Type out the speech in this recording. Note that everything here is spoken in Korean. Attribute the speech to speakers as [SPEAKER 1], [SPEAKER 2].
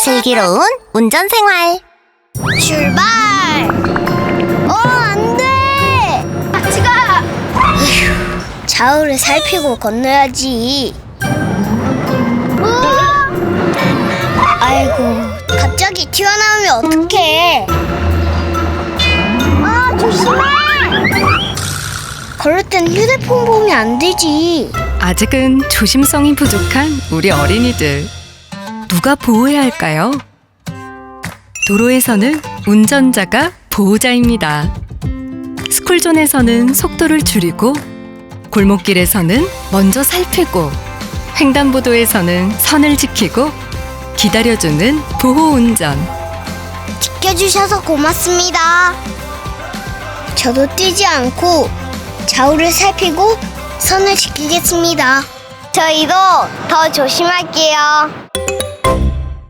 [SPEAKER 1] 슬기로운 운전생활
[SPEAKER 2] 출발! 안 돼! 같이 가! 좌우를 살피고 건너야지. 아이고, 갑자기 튀어나오면 어떡해? 조심해! 걸을 땐 휴대폰 보면 안 되지.
[SPEAKER 3] 아직은 조심성이 부족한 우리 어린이들. 누가 보호해야 할까요? 도로에서는 운전자가 보호자입니다. 스쿨존에서는 속도를 줄이고, 골목길에서는 먼저 살피고, 횡단보도에서는 선을 지키고, 기다려주는 보호운전.
[SPEAKER 2] 지켜주셔서 고맙습니다. 저도 뛰지 않고 좌우를 살피고 선을 지키겠습니다. 저희도 더 조심할게요.